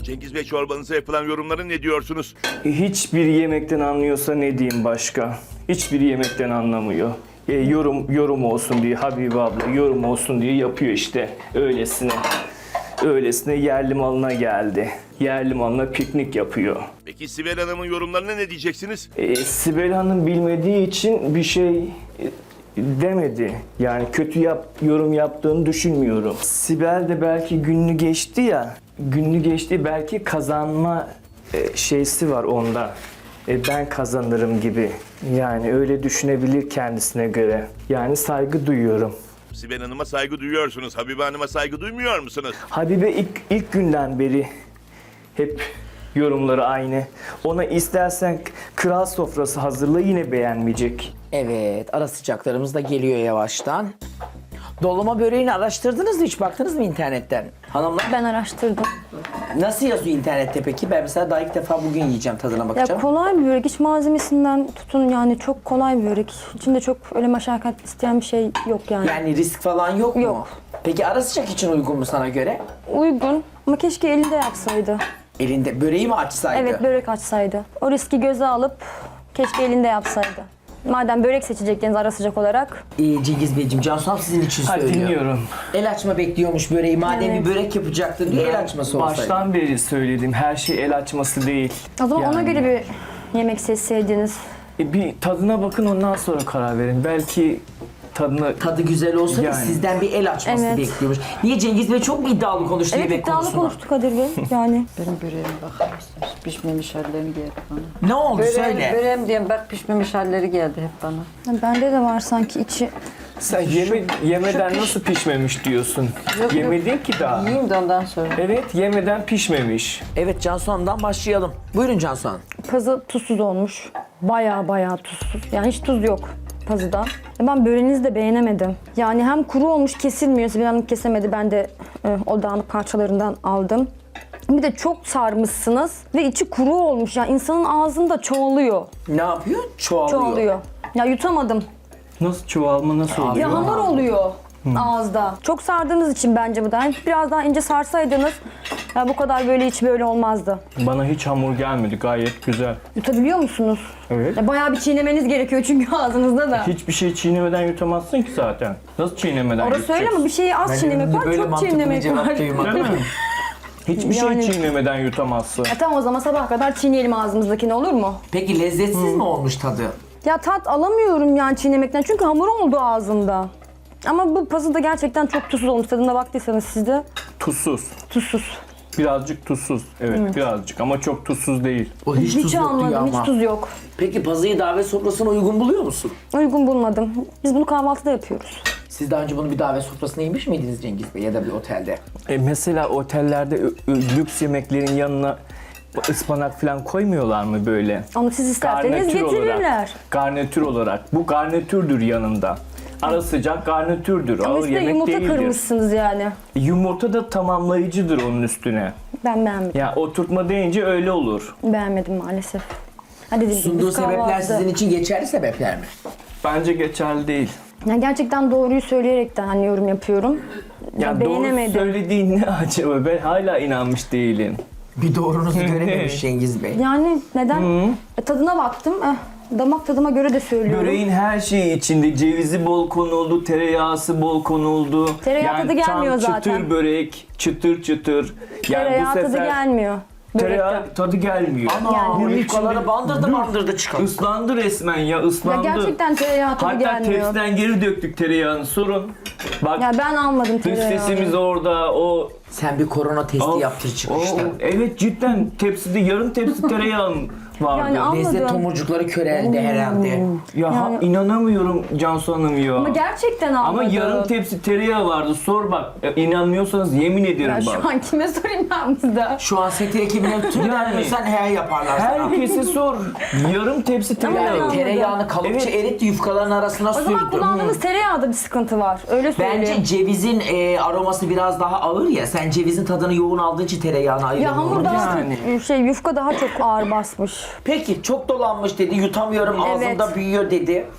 Cengiz Bey, çorbanıza yapılan yorumlara ne diyorsunuz? Hiçbir yemekten anlıyorsa ne diyeyim başka? Hiçbir yemekten anlamıyor. Yorum olsun diye Habibe abla yorum olsun diye yapıyor işte öylesine. Öylesine yerli malına geldi. Yerli malına piknik yapıyor. Peki Sibel Hanım'ın yorumlarına ne diyeceksiniz? Sibel Hanım bilmediği için bir şey demedi. Yani yorum yaptığını düşünmüyorum. Sibel de belki günlü geçti ya. Günlü geçti, belki kazanma şeysi var onda. Ben kazanırım gibi. Yani öyle düşünebilir kendisine göre. Yani saygı duyuyorum. Sibel Hanım'a saygı duyuyorsunuz. Habibe Hanım'a saygı duymuyor musunuz? Habibe ilk günden beri hep yorumları aynı. Ona istersen kral sofrası hazırla, yine beğenmeyecek. Evet, ara sıcaklarımız da geliyor yavaştan. Dolma böreğini araştırdınız mı? Hiç baktınız mı internetten? Hanımlar Ben araştırdım. nasıl yazıyor internette peki? Ben mesela daha ilk defa bugün yiyeceğim, tadına Ya bakacağım. kolay bir börek. İç malzemesinden tutun yani çok kolay bir börek. İçinde çok öyle meşakkat isteyen bir şey yok yani. Yani risk falan yok mu? Yok. Peki ara sıcak için uygun mu sana göre? Uygun ama keşke elinde yapsaydı. Elinde böreği mi açsaydı? Evet, börek açsaydı. O riski göze alıp keşke elinde yapsaydı. Madem börek seçecektiniz ara sıcak olarak. Cengiz Beyciğim, Cansu Hanım sizin için Hadi söylüyor. dinliyorum. El açma bekliyormuş böreği. Madem Evet. bir börek yapacaktın diye el açması olsaydı. Baştan beri söyledim, her şey el açması değil. O zaman ona Yani. göre bir yemek seçseydiniz. Bir tadına bakın, ondan sonra karar verin. Belki tadına... Tadı güzel olsa da Yani. sizden bir el açması Evet. bekliyormuş. Niye Cengiz Bey çok mu iddialı konuştu Evet, yemek iddialı konusunda? konuştuk Kadir Bey yani. Benim böreğime bakar mısınız? Pişmemiş hallerini geldi bana. Ne oldu söyle. Böreğim diyorum, bak pişmemiş halleri geldi hep bana. Bende de var sanki içi. Sen yemeden nasıl pişmemiş diyorsun? Yok, Yemedin ki daha. Yiyeyim de ondan sonra. Evet, yemeden pişmemiş. Evet, Cansu Hanım'dan başlayalım. Buyurun Cansu Hanım. Pazı tuzsuz olmuş. Baya tuzsuz. Yani hiç tuz yok pazıda. Ben böreğinizi de beğenemedim. Yani hem kuru olmuş, kesilmiyor. Sibel Hanım kesemedi. Ben de o dağınık parçalarından aldım. Bir de çok sarmışsınız ve içi kuru olmuş. Yani insanın ağzında çoğalıyor. Ne yapıyor? Çoğalıyor. Çoğalıyor. Ya yutamadım. Nasıl çoğalma, nasıl oluyor? Ya hamur oluyor ağızda. Çok sardığınız için bence bu da. Yani biraz daha ince sarsaydınız ya bu kadar böyle hiç böyle olmazdı. Bana hiç hamur gelmedi, gayet güzel. Yutabiliyor musunuz? Evet. Ya bayağı bir çiğnemeniz gerekiyor çünkü ağzınızda da. Hiçbir şey çiğnemeden yutamazsın ki zaten. Nasıl çiğnemeden Orası öyle ama bir şeyi az çiğnemek var, çok çiğnemek var. Değil mi? Hiçbir Yani- şey çiğnemeden yutamazsın. Tamam, o zaman sabah kadar çiğneyelim ağzımızdakini, olur mu? Peki lezzetsiz mi olmuş tadı? Ya tat alamıyorum yani çiğnemekten çünkü hamur oldu ağzımda. Ama bu pazı da gerçekten çok tuzsuz olmuş. Tadına baktıysanız siz de Tuzsuz. tuzsuz. Birazcık tuzsuz. Evet, birazcık ama çok tuzsuz değil. O hiç, tuz yok diyor almadım, ama. hiç tuz yok. Peki pazıyı davet sofrasına uygun buluyor musun? Uygun bulmadım. Biz bunu kahvaltıda yapıyoruz. Siz daha önce bunu bir davet sofrasına yemiş miydiniz Cengiz Bey ya da bir otelde? Mesela otellerde lüks yemeklerin yanına ıspanak falan koymuyorlar mı böyle? Onu siz isterseniz getirirler. olarak. Garnitür olarak. Bu garnitürdür yanında. Ara sıcak garnitürdür. Ama Ağır üstüne yemek yumurta değildir. kırmışsınız yani. Yumurta da tamamlayıcıdır onun üstüne. Ben beğenmedim. Ya oturtma deyince öyle olur. Beğenmedim maalesef. Ha dediğim gibi Sunduğu biz sebepler kahvaltıda- sizin için geçerli sebepler mi? Bence geçerli değil. Yani gerçekten doğruyu söyleyerekten hani yorum yapıyorum. Ya doğru beğenemedim. söylediğin ne acaba? Ben hala inanmış değilim. Bir doğrunuzu görememiş Cengiz Bey. Yani neden? Tadına baktım. Damak tadıma göre de söylüyorum. Böreğin her şeyi içinde. Cevizi bol konuldu, tereyağısı bol konuldu. Tereyağı tadı gelmiyor tam zaten. çıtır börek, çıtır çıtır. Yani Tereyağı bu tadı sefer gelmiyor. tereyağı börekten. tadı gelmiyor. Ana, Bunun bu içinde yukaları bandırdı çıkan. ıslandı resmen ya, Ya ıslandı. gerçekten tereyağı tadı Hatta gelmiyor. tepsiden geri döktük tereyağını, sorun. Bak, Ya ben almadım dış tereyağı. sesimiz orada, o... Sen bir korona testi Of, yaptır çıkmıştı. evet, cidden tepside yarım tepsi tereyağım vardı. Yani al- Lezzet Anladım. tomurcukları köreldi herhalde. Ya inanamıyorum Cansu Hanım ya. Ama gerçekten almadım. Ama yarım tepsi tereyağı vardı. Sor bak. İnanmıyorsanız yemin ederim Ya bak. şu an kime sorayım ben burada? Şu an seti ekibine tüm vermiyorsan he yaparlar sana. Herkese sor. Yarım tepsi tereyağı. Ama Tereyağını kalıpçı Evet. eritti, yufkaların arasına O zaman sürdü. kullandığınız tereyağda bir sıkıntı var. Öyle söyleyeyim. Bence cevizin aroması biraz daha ağır ya. Sen cevizin tadını yoğun aldığın için tereyağını ya ayıramıyorsun. hamur daha Yani. yufka daha çok ağır basmış. Peki çok dolanmış dedi, yutamıyorum, ağzımda Evet. büyüyor dedi.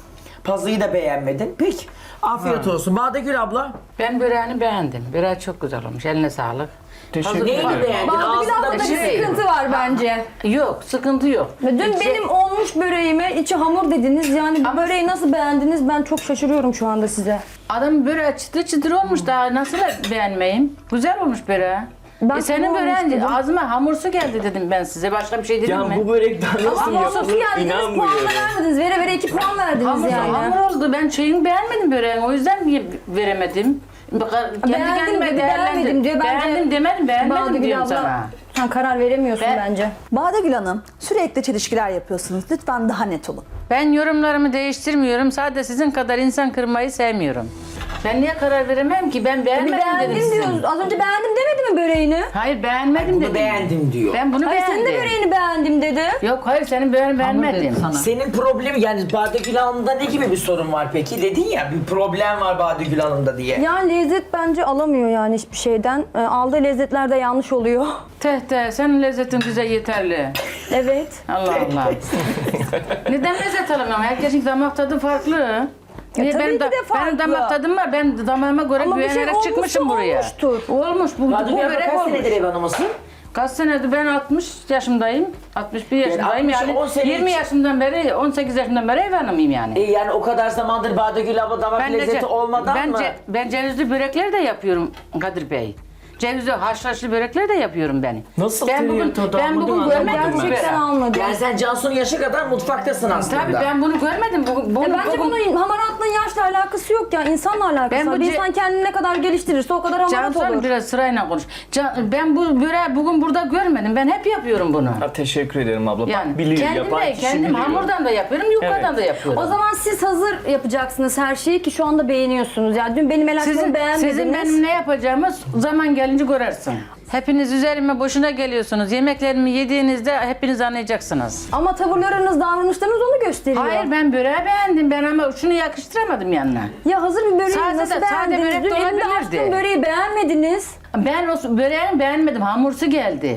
Pazıyı da beğenmedin. Peki. Afiyet olsun. Badegül abla. Ben böreğini beğendim. Böreği çok güzel olmuş. Eline sağlık. Teşekkür Neyini ederim. beğendin? Badegül Ağzında abla bir bir şey. sıkıntı var bence. Yok, sıkıntı yok. Ve dün benim olmuş böreğime içi hamur dediniz. Yani bu böreği nasıl beğendiniz? Ben çok şaşırıyorum şu anda size. Adam böreği çıtır çıtır olmuş daha nasıl beğenmeyeyim? Güzel olmuş böreği. Ben Senin tamam böreğin dedim. ağzıma hamursu geldi dedim ben size. Başka bir şey dedim Ya mi? bu börekten nasıl Ama sosu yapılır geldiniz, puan inanmıyorum. vermediniz. Vere vere 2 puan verdiniz Hamur, yani. hamur oldu. Ben şeyini beğenmedim böreğin. O yüzden veremedim. Kendi Beğendim kendime dedi, beğenmedim diyor. Bence Beğendim demedim, beğenmedim Badegül diyorum abla, sana. sen karar veremiyorsun Ben- bence. Badegül Hanım, sürekli çelişkiler yapıyorsunuz. Lütfen daha net olun. Ben yorumlarımı değiştirmiyorum. Sadece sizin kadar insan kırmayı sevmiyorum. Ben niye karar veremem ki? Ben Bir beğenmedim dedim beğendim sizin. diyoruz. Az önce beğendim demedi mi böreğini? Hayır beğenmedim Bunu dedim. beğendim diyor. Ben bunu Hayır beğendim. senin de böreğini beğendim dedi. Yok hayır senin böreğini beğenmedim. Senin problemi yani Badegül Hanım'da ne gibi bir sorun var peki? Dedin ya bir problem var Badegül Hanım'da diye. Yani lezzet bence alamıyor yani hiçbir şeyden. Aldığı lezzetler de yanlış oluyor. Teh senin lezzetin bize yeterli. Evet. Allah Allah. Neden lezzet alamıyorum? Herkesin damak tadı farklı. Niye tabii benim, ki de farklı. benim damak tadım var. Ben damağıma göre Ama bir şey güvenerek olmuşsa çıkmışım buraya. olmuştur. Olmuş. Bu Badegül abla börek kaç olmuş. senedir ev hanımısın? Kaç senedir ben 60 yaşındayım. 61 yaşındayım 60, yani. 10 sene 20 için- yaşından beri, 18 yaşından beri ev hanımıyım yani. Yani o kadar zamandır Badegül abla damak lezzeti olmadan mı? Ben cevizli börekler de yapıyorum Kadir Bey. Cevizli haşhaşlı börekler de yapıyorum ben. Nasıl ben bugün, tereyağı tadı ben almadın, bugün anlamadım görmedim ben. Gerçekten almadım. Yani sen Cansu'nun yaşı kadar mutfaktasın aslında. Tabii ben bunu görmedim. Bence bunun hamaratla yaşla alakası yok ya. İnsanla alakası Ben var. bu Bir ce- insan kendini ne kadar geliştirirse o kadar hamarat Cansu olur. biraz sırayla konuş. Ben bu böreği bugün burada görmedim. Ben hep yapıyorum bunu. Ha, teşekkür ederim abla. Yani Bak biliyor, yapan kişi kendim biliyor. hamurdan da yapıyorum, yukarıdan Evet. da yapıyorum. O zaman siz hazır yapacaksınız her şeyi ki şu anda beğeniyorsunuz. Yani dün benim el açmamı beğenmediniz. Sizin benim ne yapacağımı zaman gelince görürsün. Hepiniz üzerime boşuna geliyorsunuz. Yemeklerimi yediğinizde hepiniz anlayacaksınız. Ama tavırlarınız, davranışlarınız onu gösteriyor. Hayır ben böreği beğendim. Ben ama şunu yakıştıramadım yanına. Ya hazır bir böreği Sade nasıl de- sade beğendiniz? börek Dün de elimde olabilirdi. açtığım böreği beğenmediniz. Ben o böreğini beğenmedim. Hamursu geldi.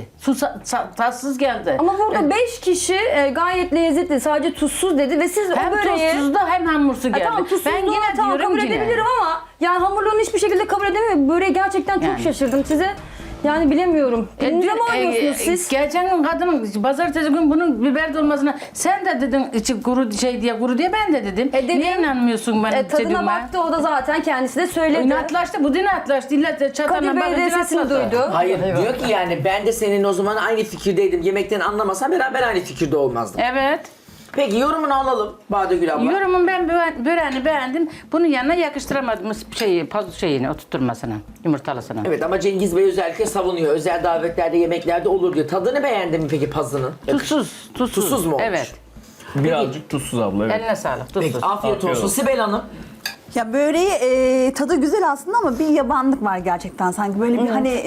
Tatsız geldi. Ama burada 5 kişi gayet lezzetli, sadece tuzsuz dedi ve siz hem o böreği... tuzsuz da hem hamursu geldi. Tamam tuzsuz ben yine tamam, diyorum kabul yine. edebilirim ama yani hamurluğunu hiçbir şekilde kabul edemiyorum. Böreği gerçekten çok Yani. şaşırdım size. Yani bilemiyorum. Elinize mi oynuyorsunuz siz? Geçen gün kadın pazartesi gün bunun biber dolmasına sen de dedin içi kuru kuru diye ben de dedim. Dedim. Niye inanmıyorsun bana Tadına dediğime? baktı o da zaten kendisi de söyledi. İnatlaştı, bu inatlaştı. İlla çatalına Kadir Bey de bakınca sesini inatladı. duydu. Hayır diyor ki yani ben de senin o zaman aynı fikirdeydim. Yemekten anlamasan beraber aynı fikirde olmazdık. Evet. Peki yorumunu alalım Badegül abla. Yorumum ben böreğini beğendim. Bunun yanına yakıştıramadım şeyini oturtmasına, yumurtalısına. Evet ama Cengiz Bey özellikle savunuyor. Özel davetlerde, yemeklerde olur diyor. Tadını beğendin mi peki pazının? Tuzsuz. Tuzsuz mu olmuş? Evet. Birazcık tuzsuz abla. Evet. Eline sağlık. Peki Tuzsuz. afiyet Afiyet olsun. olsun. Sibel Hanım. Ya böreği tadı güzel aslında ama bir yabanlık var gerçekten sanki. Böyle bir hani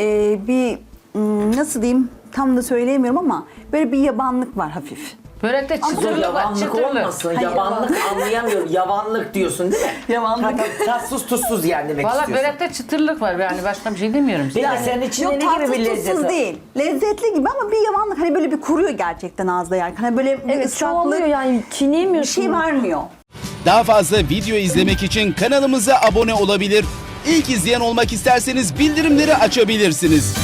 nasıl diyeyim tam da söyleyemiyorum ama böyle bir yabanlık var hafif. Börekte Dur çıtırlık var. yavanlık Çıtırlık. olmasın. Yavanlık anlayamıyorum. Yavanlık diyorsun değil mi? Yavanlık. Tatsız tuzsuz yani demek Valla istiyorsun. börekte çıtırlık var. Yani başka bir şey demiyorum size. Peki senin içinde Yok ne gibi tatsız bir lezzet tuzsuz var? değil. Lezzetli gibi ama bir yavanlık hani böyle bir kuruyor gerçekten ağızda yani. Hani böyle bir Evet ıslaklık çoğalıyor yani bir çiğneyemiyorsun. şey vermiyor. Daha fazla video izlemek için kanalımıza abone olabilir. İlk izleyen olmak isterseniz bildirimleri açabilirsiniz.